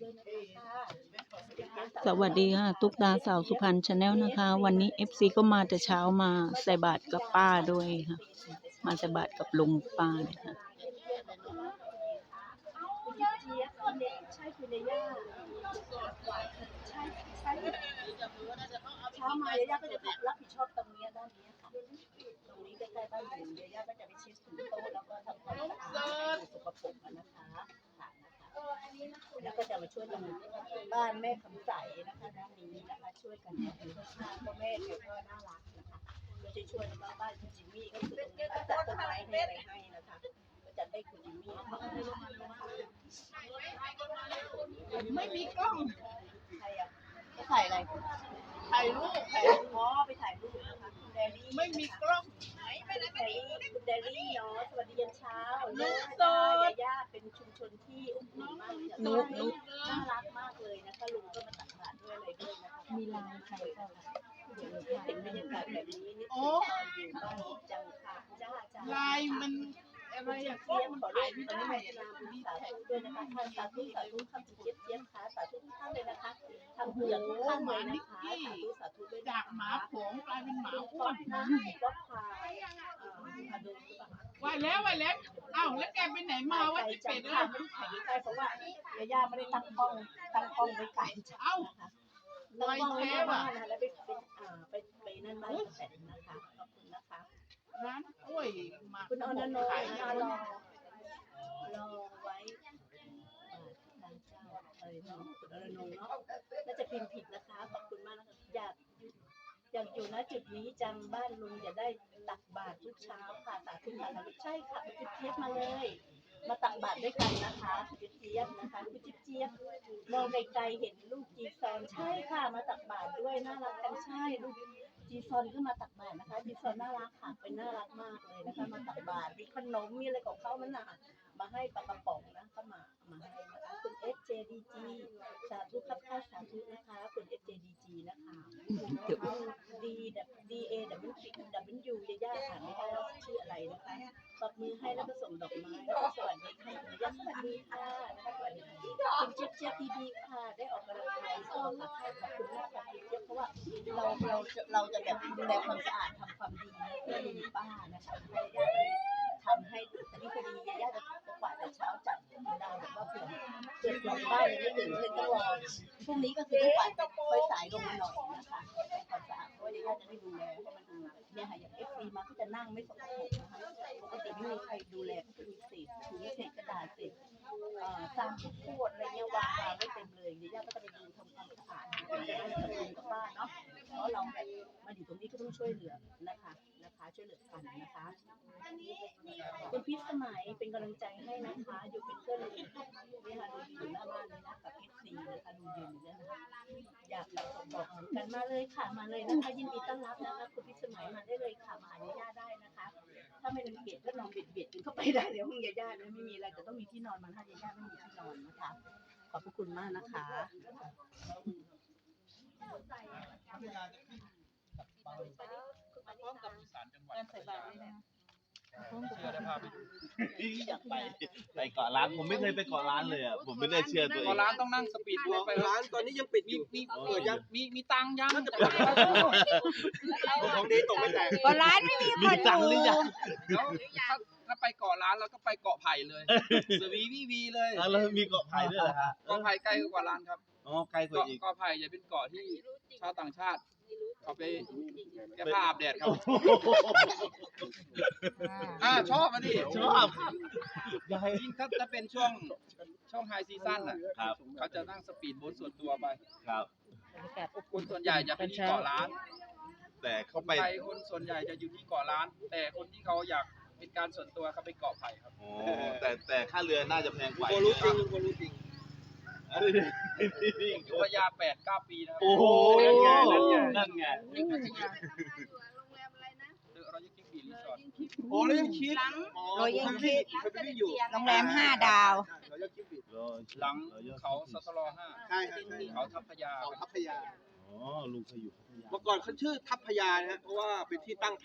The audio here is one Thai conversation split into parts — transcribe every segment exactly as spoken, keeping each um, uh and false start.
ด้วยนะคะสวัสดีค่ะตุ๊กตาสาวสุพรรณชาแนลนะคะ วันนี้ เอฟ ซี ก็มาแต่เช้ามาใส่บาตรกับป้าด้วยค่ะมาใส่บาตรกับลุงป้าเนี่ยค่ะคุณเจี๊ยบคุณเล็กใช่คุณเลยย่าใช่ใช่เช้ามาย่าก็จะรับผิดชอบตรงนี้ด้านนี้ค่ะตรงนี้ใกล้ๆบ้านหนูย่าก็จะไปเช็ดถูโต๊ะแล้วก็ทำความสะอาดสกปรกนะคะค่ะนะคะแล้วก็จะมาช่วยกันบ้านแม่คำใสนะคะด้านนี้นะคะช่วยกันอยู่ข้างๆก็แม่แกก็น่ารักนะคะก็จะช่วยแล้วก็บ้านคุณจิมมี่ก็คือตรงนี้ก็จัดต้นไม้ให้อะไรให้นะคะก็จัดให้คุณจิมมี่ไม่มีกล้องใครอ่ะไปถ่ายอะไรถ่ายรูปอ๋อไปถ่ายรูปนะคะคุณแดรี่ไม่มีกล้องคุณแดรี่คุณแดรี่เนาะสวัสดียามเช้าลูกโสดย่าเป็นชุมชนที่อบอุ่นมากเลยนุ๊กนุ๊กน่ารักมากเลยนะคะลุงก็มาตักบาตรด้วยอะไรด้วยนะคะมีลายใครก็เห็นบรรยากาศแบบนี้นี่คือตอนอยู่บ้านจังค่ะจ้าจ้าลายมันอะไรเจี๊ยอะบกล้องมันมันขอถ่ายเรีไม่ยกตอนได้นี้มาบุญสาธุด้วยนะคะท่านสาธุสาธุคำเจี๊ยบเจี๊ยบค่ะสาธุทุกท่านเลยนะคะทำเผื่อทุกท่านเลยนะคะสาธุสาธุด้วยจากหมาโขงกลายเป็นหมาคุณอ้ป๊วอน ปนะก็พาพาดูว่าแล้วว่าแล้วอ้าวแล้วแกไปไหนมาว่าจะจัเป็งดค่ะล่ะไม่ได้ถ่ายใกล้เพราะว่าย่าไม่ได้ตั้งกล้องตั้งกล้องไว้ไกลจังเอ้านะคะตั้งกล้องไว้หน้าบ้านนะคะแล้วไปเป็นอ่าไปไปนั่นบ้านแสนนะคะขอบคุณนะคะร้านกล้วยหมากคุณอนันโนขายนะคะรอรอไว้ทางเจ้าอะไรเนาะคุณอนันโนเนาะน่าจะพิมพ์ผิดนะคะขอบคุณมากนะคะอยากอยากอยู่ณจุดนี้จังบ้านลุงจะได้ตักบาตรทุกเช้าค่ะสาธุค่ะสาธุใช่ค่ะคุณจิ๊บเจี๊ยบมาเลย มาตักบาตรด้วยกันนะคะคุณจิ๊บเจี๊ยบนะคะคุณจิ๊บเจี๊ยบมองไกลๆเห็นลูกจีซอนใช่ค่ะมาตักบาตรด้วยน่ารักกันใช่ลูกจีซอนก็มาตักบาตรนะคะจีซอนน่ารักค่ะเป็นน่ารักมากเลยนะคะมาตักบาตรมีขนมมีอะไรของเขามันน่ะมาให้ปลากระป๋องนะก็มามาให้นะคะคุณ เอฟ เจ ดี จี สาธุครับค่ะสาธุนะคะคุณ เอฟ เจ ดี จี นะคะดีดับดีเอดับเบิลยูดับเบิลยูย่าๆค่ะไม่ได้ว่าชื่ออะไรนะคะปรบมือให้แล้วก็ส่งดอกไม้แล้วก็สวัสดีค่ะย่าสวัสดีค่ะนะคะสวัสดีคุณเจี๊ยบเจี๊ยบดีๆค่ะได้ออกกำลังกายก็ค่ะขอบคุณมากค่ะคุณเจี๊ยบเพราะว่าเราเราจะเราจะแบบดูแลความสะอาดทำความดีเพื่อลุงป้านะคะให้ย่าเลยทำให้แต่นี่พอดีย่าจะกวาดแต่เช้าจัดดาวแบบว่าเผื่อเผื่อคนบ้านยังไม่ตื่นเลยต้องรอพรุ่งนี้ก็คือต้องกวาดค่อยสายลงมาหน่อยนะคะความสะอาดเพราะว่าย่าจะได้ดูแลให้มันดูเนี่ยค่ะอย่างเอฟซีมาก็จะนั่งไม่สกปรกนะคะปกติไม่มีใครดูแลก็จะมีเศษถุงเศษกระดาษเศษเอ่อสร้างข้าวโพดอะไรเงี้ยวางไว้เต็มเลยเดี๋ยวย่าก็จะไปดูทำความสะอาดนะคะจะได้กับลุงกับป้าเนาะเพราะเราแบบมาอยู่ตรงนี้ก็ต้องช่วยเหลือนะคะนะคะช่วยเหลือกันนะคะคุณพิษสมัยเป็นกำลังใจให้นะคะอยู่เป็นเพื่อนลุงนี่ค่ะลุงอยู่หน้าบ้านเลยนะกับเอฟซีนะคะลุงยืนอยู่เนี่ยนะคะอยากส่งบอกเหมือนกันมาเลยค่ะมาเลยนะคะยินดีต้อนรับนะคะคุณพิษสมัยมาได้เลยค่ะมาหาย่าได้นะคะ ถ้าไม่รังเกียจก็นอนเบียดเบียดกันเข้าไปได้เลยห้องย่าๆนะไม่มีอะไรแต่ต้องมีที่นอนมันถ้าย่าๆไม่มีที่นอนนะคะขอบพระคุณมากนะคะพร้อมกับอีสานจังหวัดการใส่บาตรนี่แหละเชื่อได้ภาพไปดูอยากไปไปเกาะล้านผมไม่เคยไปเกาะล้านเลยอ่ะผมไม่ได้เชื่อตัวเอเกาะงล้านต้องนั่งสปีดโบ๊ทไปร้านตอนนี้ยังปิดอมียู่มีเปิดยังมีมีตังค์ยังน่าจะเปิดของดีตกไม่แตกก็ร้านไม่มีคมีนตังค์หอรืยู่อยังแล้วถ้าถ้าไปเกาะล้านแล้วก็ไปเกาะไผ่เลยสวีวีวีเลยแล้วมีเกาะไผ่ด้วยเหรอฮะเกาะไผ่ใกล้กว่าล้านครับอ๋อไกลกว่าเกาะอีกเกาะไผ่จะเป็นเกาะที่ชาวต่างชาติเขาไปแก้ผ้าอาบแดดครับอ่าชอบอ่ะดิชอบยายยิ่งถ้าถ้าเป็นช่วงช่วงไฮซีซั่นอ่ะครับเขาจะนั่งสปีดโบ๊ทส่วนตัวไปครับคนส่วนใหญ่จะไปที่เกาะล้านแต่คเขานไปไทยคนส่วนใหญ่จะอยู่ที่เกาะล้าน แต่คนที่เขาอยากเป็นการส่วนตัวเขาไปเกาะไผ่ครับอ๋อแต่แต่ค่าเรือน่าจะแพงกว่าคนรู้จริงคนรู้จริงอยู่พัทยาแปดเก้าปีนะครับโอ้โหนั่นไงนั่นไงนั่นไงเดอะรอยัลคิงบีรีสอร์ทโอ้แล้วยังคิดเรายังคิดเคยไปที่อยู่โรงแรมห้าดาวเรายังคิดผิดหลังเขาสตรห้าใช่ครับเขาทัพพยาเขาทัพพยาอ๋อลุงเคยอยู่พัทยาเมื่อก่อนเขาชื่อทัพพยานะฮะเพราะว่าเป็นที่ตั้งทัพ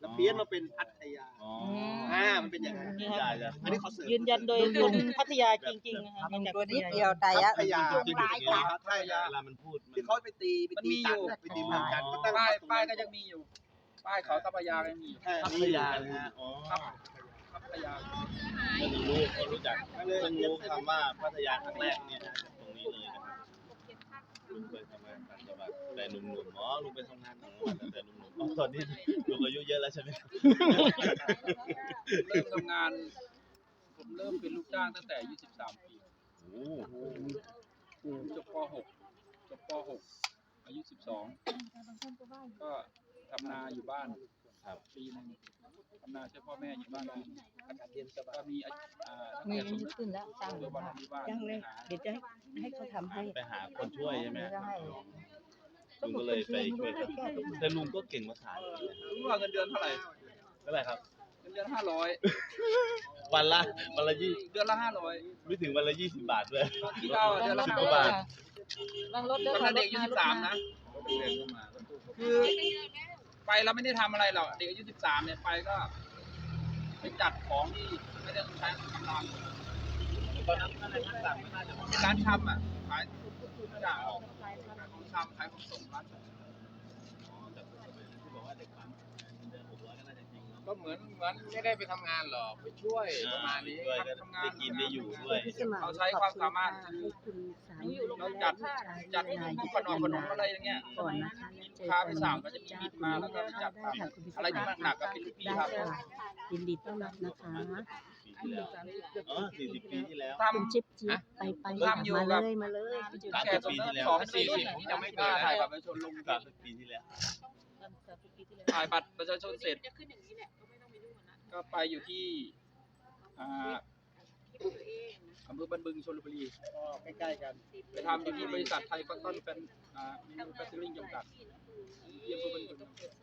แล้วเพี้ยนมาเป็นพัทยาอ๋ออ่ามันเป็นอย่างนั้นนี่คได้รับจ้ะอันนี้เขาเสริมยืนยันโดยคนพัทยาจริงๆนะคะมาจากตัวพัทนิดยาเดียวแต่ยะพัทยาที่ถูกที่ถูกพัทยาเวลามันพูดมันที่เขาไปตีไปตีจันทร์ไปตีเมืองจันทร์ก็ตั้งป้ายป้ายก็ยังมีอยู่ ป้ายเขาทัพยาก็ยังมีอยู่แค่พัทนี้ยานะฮะอ๋อครับทัพยาเพิ่งรู้เพิ่งรู้จักเพิ่งรู้คำว่าพัทยาครั้งแรกเนี่ยนะตรงนี้เลยนะครับลุงเคยทำงานต่างจังหวัดแต่หนุ่มๆอ๋อลุงไปทำงานต่างจังหวัดแต่หนุ่มๆอ๋อตอนนี้ลุงอายุเยอะแล้วใช่ไหมครับเริ่มทำงาน ผมเริ่มเป็นลูกจ้างตั้งแต่อายุสิบสามปีโอ้โหจบป หก จบป หก อายุสิบสอง ก็ทำนาอยู่บ้านครับปีหนึงทำนาช่วยพ่อแม่อยู่บ้านปีหนึ่งอากาศเย็นสบายก็มีอ่านักมีเรียนสมทบขึ้นแล้วสร้างตัววันที่บ้านยังเลยเดี๋ยวจะให้ให้เขาทำให้ไปหาคนช่วยใช่ไหมลุงก็เลยไปช่วยเขาแต่ลุงก็เก่งภาษาอยู่นะรู้ว่าเงินเดือนเท่าไหร่เท่าไหร่ครับเงินเดือนห้าร้อยวันละวันละยี่เดือนละห้าร้อยไม่ถึงวันละยี่สิบบาทด้วยที่เก้าเดือนละสิบห้ากว่าร้อยบาทวางรถเด้ตออนนั้นเด็กอายุสิบสามนะเรียนเข้ามาก็ตู้คือไปเราไม่ได้ทำอะไรหรอกเด็กอายุสิบสามเนี่ยไปก็ไปจัดของที่ไม่ได้ต้องใช้กำลังตอนนั้นอะไรทั้งหลังไม่น่าจะร้านชำอ่ะขายทุกอย่างของชำขายของส่งร้านชำที่บอกว่าเด็กปั๊มเดือนหกร้อยก็น่าจะจริงเนาะก็เหมือนเหมือนไม่ได้ไปทำงานหรอกไปช่วยประมาณนี้ด้วยก็ได้กินได้อยู่ด้วยพี่สมานเราใช้ความสามารถให้คุณสามีเราจัดจัดพวกขนมขนมอะไรอย่างเงี้ยก่อนนะคะเจอพากัไปนสั่งก็จะมีบิดมาแล้วก็ไปจัดได้ค่ะคุณพิสอะไรที่หนักๆก็เป็นลูกพี่ได้ครับค่ะยินดีต้อนรับนะคะปีที่แล้วอ๋อสี่สิบปีที่แล้วทคุณจิ๊บจิ๊บไปไปค่ะมาเลยมาเลยำแก่สมสองสี่สิบผมยังไม่กล้าถ่ายบัตรประชาชนลงสามสิบปีที่แล้วถ่ายบัตรประชาชนเสร็จก็ไปอยู่ที่อ่าอำเภอบันบึงชลบุรีก็ใกล้ๆกันไปทำอยู่ที่บริษัทไทยคอนตันเป็นอ่ามินูแฟคเจอริ่งจำกัดที่อำเภอบันบึง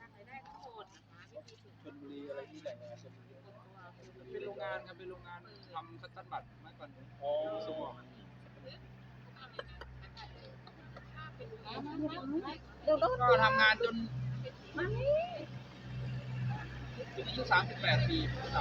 ชลบุรีอะไรที่แหล่งงานชลบุรีเป็นโรงงานครับเป็นโรงงานทำคัตตันบัตรเมื่อก่อนส่งออกก็ทำงานจนจนอายุสามสิบแปดปีครับ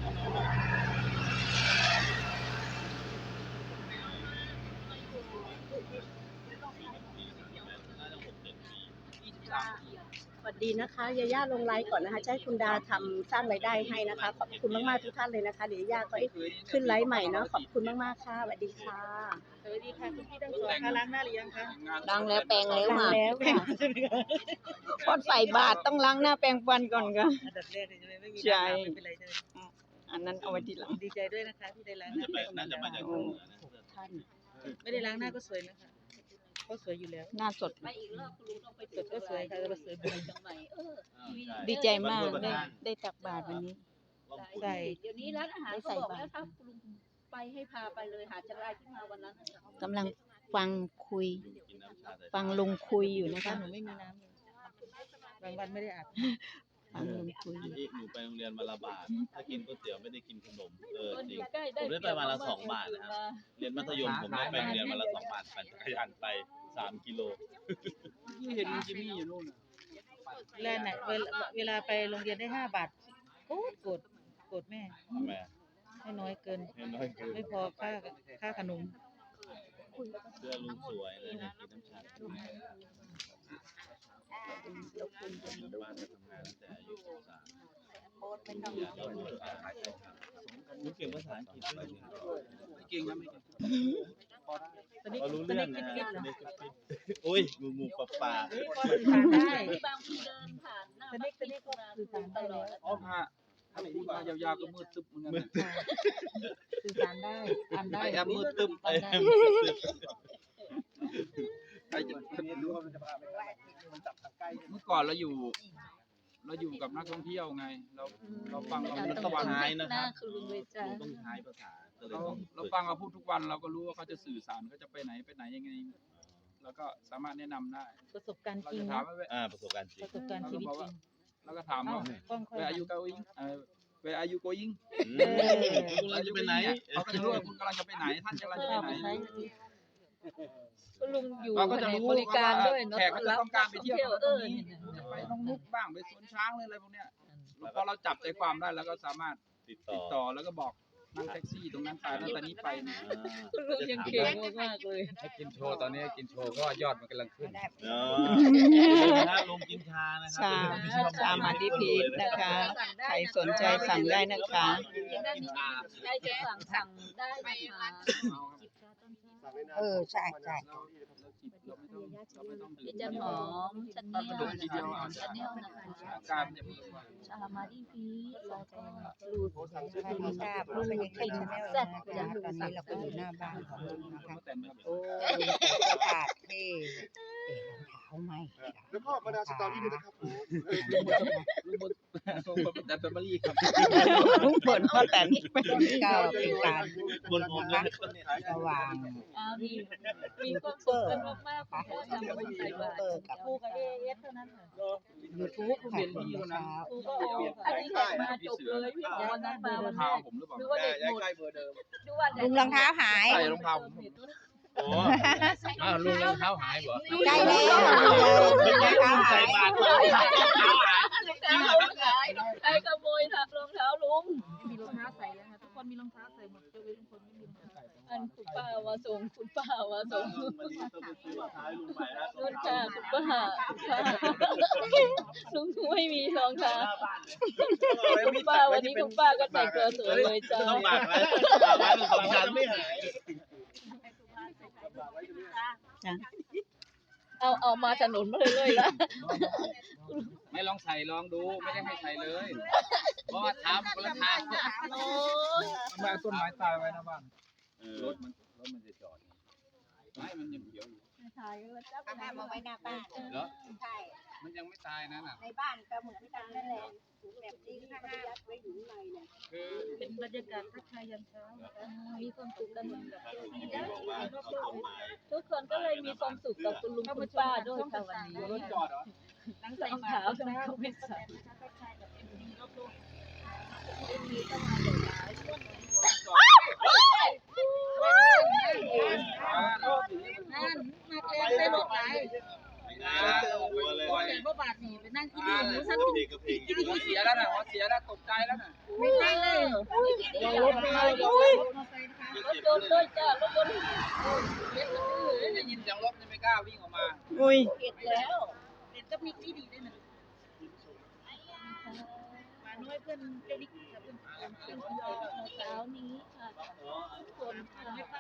ยี่สิบสามปีสวัสดีนะคะยาย่าลงไลฟ์ก่อนนะคะจะให้คุณดาทำสร้างรายได้ให้นะคะขอบคุณมากๆทุกท่านเลยนะคะเดี๋ยวยาย่าก็ขึ้นไลฟ์ใหม่เนาะขอบคุณมากๆค่ะสวัสดีค่ะสวัสดีค่ะคุณพี่ทั้งสองค่ะล้างหน้าหรือยังคะดังแล้วแปลงแล้วดังค่ะแล้วค่ะพอใส่บาตรต้องล้างหน้าแปรงฟันก่อนค่ะอันดับแรกเลยใช่ไหมไม่มีใช่น้ำไม่เป็นไรใช่ไหมอันนั้นเอาไว้ทีหลังดีใจด้วยนะคะที่ได้ล้างหน่าน้าจะไปน่าจะมาจากทางเหนือนะท่านไม่ได้ล้างหน้าก็สวยนะคะก็สวยอยู่แล้วหน้าสดไปอีกรอบคุณลุงต้องไปสดก็สวยค่ะก็สวยบุญจังไหนเออดีใจมากได้ได้ตักบาตรวันนี้ใส่เดี๋ยวนี้ร้านอาหารเขาบอกแล้วถ้าคุณลุงไปให้พาไปเลยหาจะไล่ขึ้นมาวันนั้นกำลังฟังคุยกินน้ำชาแต่ฟังลุงคุยอยู่นะบ้าคะนหนูไม่มีน้ำเลยบางวันไม่ได้อาบฟังลุงคุยอยู่ที่หนูไปโรงเรียนวันละบาท ถ้ากินก๋วยเตี๋ยวไม่ได้กินขนม เออจริง ผมได้ไปวันละสองบาทนะครับ เรียนมัธยมผมได้ไปโรงเรียนวันละสองบาทปั่นจักรยานไปสามกิโลที่เห็นจิมมี่อยู่นู่นน่ะเวลาไหนเวลาเวลาไปโรงเรียนได้ห้าบาทโกรธโกรธโกรธแม่ทำไมอะให้น้อยเกินให้น้อยเกินไม่พอค่าค่าขนมเสื้อลุงสวยเลยนะกินน้ำชาอยู่บ้านไปทำงานตั้งแต่อายุสิบสามเรารู้ภาษาอังกฤษรู้เก่งภาษาอังกฤษด้วยไม่เก่งนะไม่เก่งพอได้ตอนนี้เรารู้ตอนเรื่อนี้งคิดนะคิดฮะเหรออุ้ยงูงูปลาปลาพอสื่อสารได้บางทีเดินผ่านหน้าตอนนี้ตอนนี้ก็สื่อสารได้แล้วอ๋อพระถ้าพูดมายาวๆก็มืดตึ๊บเหมือนกันนะสื่อสารได้อ่านได้ไอแอมมืดตึ๊บอ่านได้ใครจะรู้ว่ามันจะพาไปไหนเมื่อก่อนเราอยู่ เราอยู่กับนักท่องเที่ยวไง เราเราฟังเรามันทุต้องกวันใช้นะครับคือลุงเลยจ้าลุงต้องใช้ภาษาก็เลยเราต้องเราฟังเราพูดทุกวันเราก็รู้ว่าเขาจะสื่อสารเขาจะไปไหนไปไหนยังไงเราก็สามารถแนะนำได้ประสบการณ์เราจริงจะถามนะว่าอ่าประสบการณ์จริปงระสบการณ์ชีวิตจริงเราก็ถามเอ้าว่ากล้องค่อย Where are you going เอ่อ Where are you going อืมคุณเราจะไปไหนเขาก็จะรู้ว่าคุณกำลังจะไปไหนท่านกำลังจะไปเอาไหนไปใช้ก็ลุงอยู่เราก็จะรู้บริการด้วยเนาะแขกก็จะต้องการไปเที่ยวตรงเออนี้จะไปน้องมุกบ้างไปสวนช้างเลยอะไรพวกเนี้ยเพอเราจับใจความได้แล้วก็สามารถติดติต่ดอต่อแล้วก็บอกนั่งแท็กซี่ตรงนั้นไปแล้วตอนนี้ไปนะคุณลุงยังเก่งมากๆเลยให้กินโชว์ตอนนี้กินโชว์ก็ยอดมันกำลังขึ้นเนาะนะลงกินชานะครัชาชามาดิพีชนะคะ ใครสนใจสั่งได้นะคะได้จะสั่งสั่งได้นะคะจิบชาต้นชาเออใช่ใช่เราเราจิบเราไม่ต้องเราไม่ต้องดื่พี่มจันหอมชันเนียลนะคะชันเนียลนะคะอาการมันจะมีว่าชามาดิพีชแล้วก็รูดสวัสดีค่ะพบกันในคลิปชาแนลนะคะตอนนี้เราก็อยู่หน้าบ้านของลุงนะคะแต่ครับโอ้ลุงใส่เสื้อผ้าเท่เอ๋รองเท้าไหมแล้วก็มาดาสตอรี่ด้วยนะครับผมลุงบนลุงบนแต่แฟมิลี่ครับลุงเปิดพ่อแต่นนี่ก็เป็นการบนผมด้วยระหว่างอ้าวมีมีความสุขกันมากๆค่ะทำมาใส่บาตรคู่กับเอเอสเท่านั้นค่ะยูทูบค่ะตอนเช้าคู่ก็โออันนี้แข่งมาจบเลยพี่บอกวันนั้นมาวันแรเท้าก ผมหรือเปล่าดูว่าเด็กหมดใกล้เบอร์เดิมดูว่าลุงรองเท้าหายใส่รองเท้าผมโอ้อ้าวลุงรองเท้าหายเหรอใกล้แล้วลุงรองเท้าหายใครขโมยรองเท้าลุงมีรองเท้าใส่แล้วค่ะทุกคนมีรองเท้าใส่หมดยกเว้นลุงพลไม่มีรองเท้าอันคุณป้ามาส่งคุณป้ามาส่งวันนี้ต้องไปซื้อรองเท้าให้ลุงใหม่นะรุ่นค่ะคุณป้าคุณป้าลุงไม่มีรองเท้าคุณป้าวันนี้คุณป้าก็แต่งตัวสวยเลยจ้าต้องหมักไว้หมักไว้เป็นสองชั้นไม่หายเอาเอามาถนนมาเลยๆละไม่ลองใส่ลองดูไม่ได้ให้ใส่เลย เพราะว่าเท้ามันคนละทางโอ้ยทำไมเอาต้นไม้ตายไว้หน้าบ้านรถมันรถมันจะจอดไม่มันยังเขียวอยู่ถ่ายแล้วจับเอามาไว้หน้าบ้านเหรอใช่มันยังไม่ตายนะน่ะในบ้านก็เหมือนกันนั่นแหละถุงแบบนี้ข้างหน้าไว้อยู่ในเนี่ยคือเป็นบรรยากาศทักทายยามเช้านะคะมีความสุขกันเหมือนกับบอกว่าเอาต้นไม้ทุกคนก็เลยมีความสุขกับคุณลุงคุณป้าด้วยค่ะวันนี้รถจอดเหรอรองเท้าทำไมเขาไม่ใส่นั่นมาเล่นได้หมดไหนหัวเลยแต่ว่าบาทนี่ไปนั่งที่นี่หนูสักเด็กกับเพลงหัวเสียแล้วนะหัวเสียแล้วตกใจแล้วนะไม่ใช่เลยรถมารถยนต์ด้วยจ้ารถยนต์ได้ยินเสียงรถไม่กล้าวิ่งออกมาอุ้ยเก็บแล้วเด็ดก็มีที่ดีด้วยนะมาน้อยเพื่อนเจ้าดิ๊กกับเพื่อนเพื่อนเช้านี้ค่ะคนค่ะ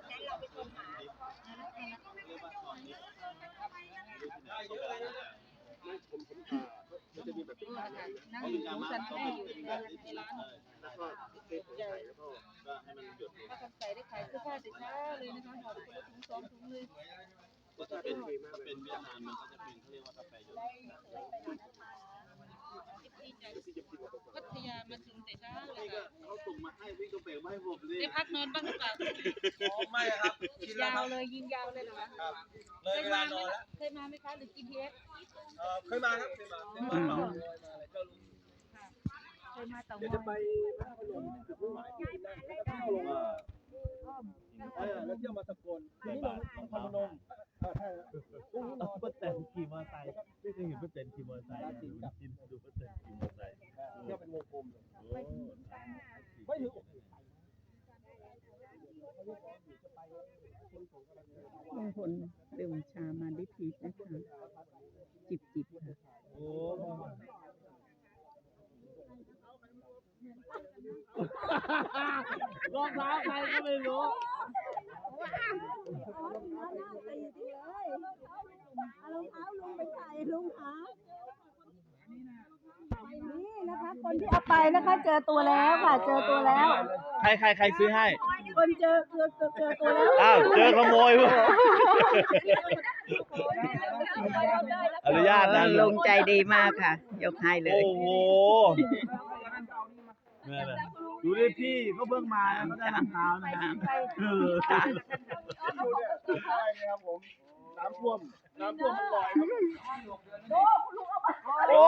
นั่งอยู่สันแม่อยู่ในร้านก็ให้มันหยุดป้าคำใส่ได้ขายเสื้อผ้าแต่เช้าเลยนะคะหอบคนละถุงสองถุงเลยก็จะเป็นถ้าเป็นเวียดนามมันก็จะเป็นเขาเรียกว่ากาแฟหยดพัทยามาถึงแต่เช้าเลยเขาส่งมาให้วิ่งกระเป๋มาให้ผมเลยได้พักนอนบ้างหรือเปล่าไม่ครับกินแล้วยาคว รับเลยยิงยาวเลยเหรอคะเลยเคยเวมาลาไหมนอนแล้วเคยมาไหมคะหรือ จี พี เอสเอ่อเคยมาครับเคยมาเคยมาเปล่าเจ้าลุงเคยมาเต่างเดี๋ยวอจะไปพระพยนต์จุดมุ่งหมายที่นั่นแล้วก็เที่ยวลงมาเออแล้วเที่ยวมาสกลที่นี่ลงนครพนมอ่าใช่แล้วพรุ่งนี้นอนป้าแตนขี่มอเตอร์ไซค์ไม่เคยเห็นป้าแตนขี่มอเตอร์ไซค์กินดูป้าแตนขี่มอเตอร์ไซค์เที่ยวเป็นวงกลมเลยโอ้ไม่ถึงลุงพลดื่มชามาดิพีชนะคะ จิบจิบค่ะโอ้รองเท้าใครก็ไม่รู้คนที่เอาไปนะคะ เจอตัวแล้วค่ะ เจอตัวแล้วใครใครใครซื้อให้คนเจอเจอเจอเจอตัวแล้วอ้าวเจอขโมยพวกอนุญาตนะลงใจดีมากค่ะ ยกให้เลยโอ้โหนี่แหละดูดิพี่เขาเพิ่งมาเขาได้รองเท้านะเออใช่ครับผมน้ำท่วมน้ำท่วมมันลอยครับโอ้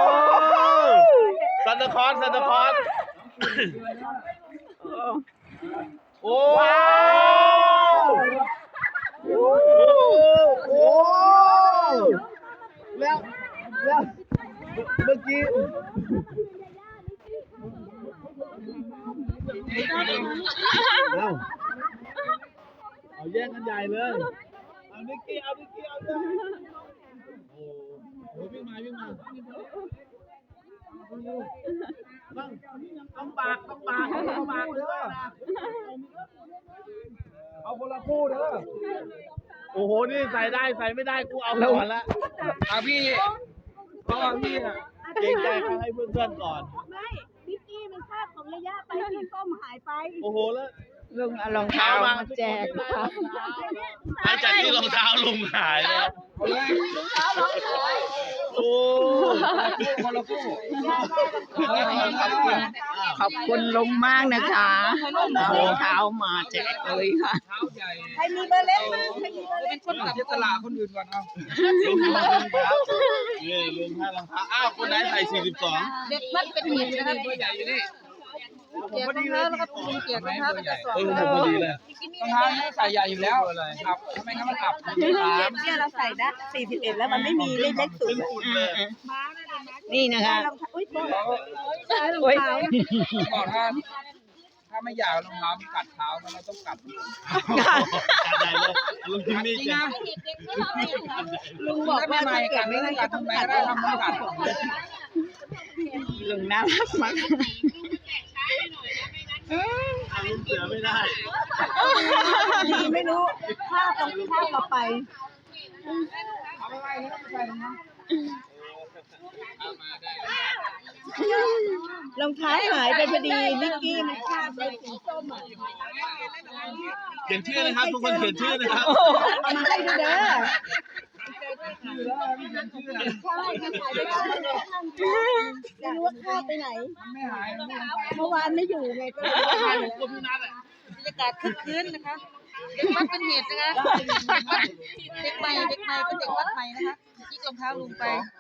ซันตาคลอสซันตาคลอสโอ้ว้าวโอ้โหแล้วแล้วเมื่อกี้ญ่เลยเอานิกกี้เอานิกกี้เอาด้วยโอ้โหวิ่งมาวิ่งมาต้องต้องปากต้องปากต้องปากเลยเอาคนละคู่เด้อโอ้โหนี่ใส่ได้ใส่ไม่ได้กูเอาก่อนละเอาพี่เพราะว่าพี่อะเกรงใจเขาให้เพื่อนๆก่อนไม่นิกกี้มันคาบของระยะไปสีส้มหายไปโอ้โหแล้วลุงเอารองเท้ามาแจกนะคะหลังจากที่รองเท้าลุงหายแล้วเอาเลยโอ้คนละคู่ขอบคุณลุงมากนะคะเอารองเท้ามาแจกเลยค่ะเท้าใหญ่ใครมีเบอร์เล็กบ้างใครมีเบอร์เล็กคนเสียสละคนอื่นก่อนเอาลุงลุงครับนี่ลุงให้รองเท้าอ้าวคนไหนใส่สี่สิบสองเด็กมัดเป็นหมีนะครับตัวใหญ่อยู่นี่เกียรติรองเท้าแล้วก็ปูเกียรติรองเท้าแล้วก็สวมเออผมพอดีเลยรองเท้านี่ใส่ใหญ่อยู่แล้วอับทำไมงั้นมันอับเนี่ยเราใส่ได้สี่สิบเอ็ดแล้วมันไม่มีเล็กเล็กสุดนี่นะคะรองเท้าอุ้ยรองโอ๊ยเท้าก่อนถ้าถ้าไม่อยากรองเท้ามันกัดเท้ามันเราต้องกัดจัดใหญ่เลยลุงทิมมี่จริงจะนะลุงบอกว่าไม่ถ้าไม่เกิกัดดไม่ไม่ได้กัก็ดต้องทำไมกัดก็ได้ทำมันกัดลุงน่ารักมากลุงเสือไม่ได้ดีไม่รู้ข้าวกับข้าวเราไปเอาไปไว้แล้วก็ไปใส่รองเท้ารองเท้าหายไปพอดีนิกกี้มันคาบไปสีส้มอ่ะเขียนชื่อนะครับทุกคนเขียนชื่อนะครับเอามาให้ดูเด้อชื่อแล้วมันเขียนชื่อนะใช่มันหายไปข้างนึงไม่รู้ว่าคาบไปไหนมันไม่หายมันไม่หายเมื่อวานไม่อยู่ไงก็เลยไม่ได้เลยบรรยากาศคึกคืนนะคะเด็กวัดเป็นเหตุนะคะเด็กใหม่เด็กใหม่เป็นเด็กวัดใหม่นะคะที่รองเท้าลุงไป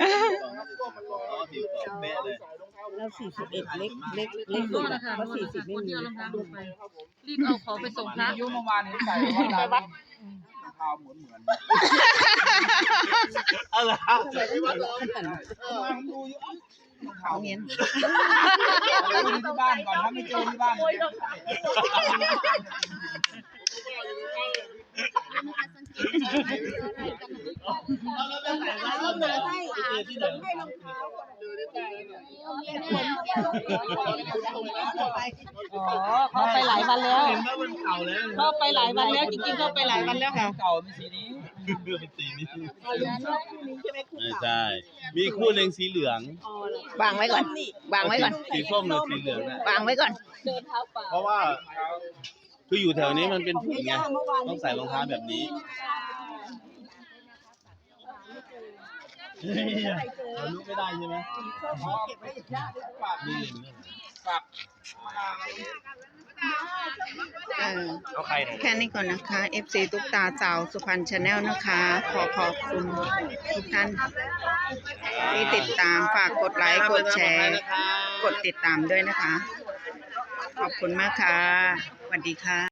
เราสี่สิบเอ็ดเล็กเล็กเล็กสุดนะคะเพราะสี่สิบไม่มีรีบเอาของไปส่งพระอายุเมื่อวานเห็นใส่ว่าดาวเท้าเหมือนเหมือนอะไรเขาเนี้ยไปดูที่บ้านก่อนถ้าไม่เจอที่บ้านเอาหนาให้ให้รองเท้าเป็นคนไปอ๋อเขาไปหลายวันแล้วเห็นว่ามันเก่าแล้วเขาไปหลายวันแล้วจริงๆเขาไปหลายวันแล้วค่ะเก่าเป็นสีนี้เป็นสีนี้เอาอย่างนั้นคู่นี้ใช่ไหมคู่ไม่เก่าใช่มีคู่หนึ่งสีเหลืองวางไว้ก่อน วางไว้ก่อนสีส้มหรือสีเหลืองนะวางไว้ก่อนเพราะว่าคืออยู่แถวนี้มันเป็นฝุ่นไงต้องใส่รองเท้าแบบนี้เราลุกไม่ได้ใช่ไหมนี่ฝากเออเอาใครไหนแค่นี้ก่อนนะคะ เอฟ ซี ตุ๊กตาสาวสุพรรณชาแนลนะคะ ขอขอบคุณทุกท่านที่ติดตามฝากกดไลค์ กดแชร์ กดติดตามด้วยนะคะ ขอบคุณมากค่ะสวัสดีค่ะ